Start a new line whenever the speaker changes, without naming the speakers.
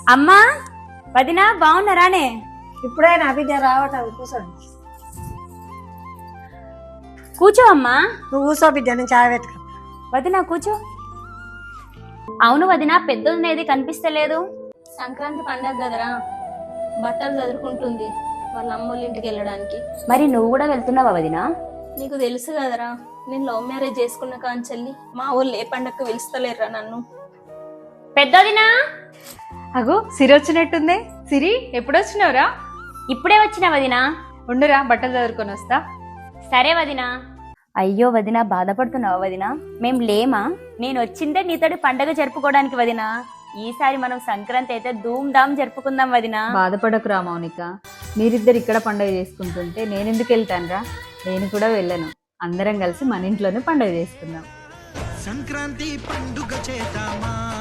అమ్మా వదినా బాగున్నారానే?
ఇప్పుడే నా బిడ్డ రావటం, కూర్చోండి.
కూర్చో అమ్మా.
నువ్వు కూర్చో బిడ్డ, నేను చాయ్ పెట్టుకో.
వదినా కూర్చో. అవును వదినా, పెద్దది కనిపిస్తలేదు.
సంక్రాంతి పండగ కదరా, బట్టలు చదువుకుంటుంది వాళ్ళ అమ్మోళ్ళ ఇంటికి వెళ్ళడానికి.
మరి నువ్వు కూడా వెళ్తున్నావా వదినా?
నీకు తెలుసు కదరా, నేను లవ్ మ్యారేజ్ చేసుకున్న కాంచెల్లి మా ఊళ్ళు ఏ పండగకు పిలుస్తలేరురా నన్ను.
పెద్దదినా
అగో సిరి వచ్చినట్టుంది. సిరి ఎప్పుడొచ్చినావురా?
ఇప్పుడే వచ్చినా వదినా.
ఉండురా, బట్టలు చదువుకొని వస్తా.
సరే వదినా. అయ్యో వదినా, బాధపడుతున్నావా వదినా? మేం లేమా? నేను వచ్చిందే నీతోటి పండగ జరుపుకోవడానికి వదినా. ఈసారి మనం సంక్రాంతి అయితే ధూమ్ ధామ్ జరుపుకుందాం వదినా.
బాధపడకురా మౌనిక, మీరిద్దరు ఇక్కడ పండుగ చేసుకుంటుంటే నేనెందుకు వెళ్తానురా? నేను కూడా వెళ్ళను. అందరం కలిసి మన ఇంట్లోనే పండుగ చేసుకుందాం.
సంక్రాంతి పండుగ చేద్దామా?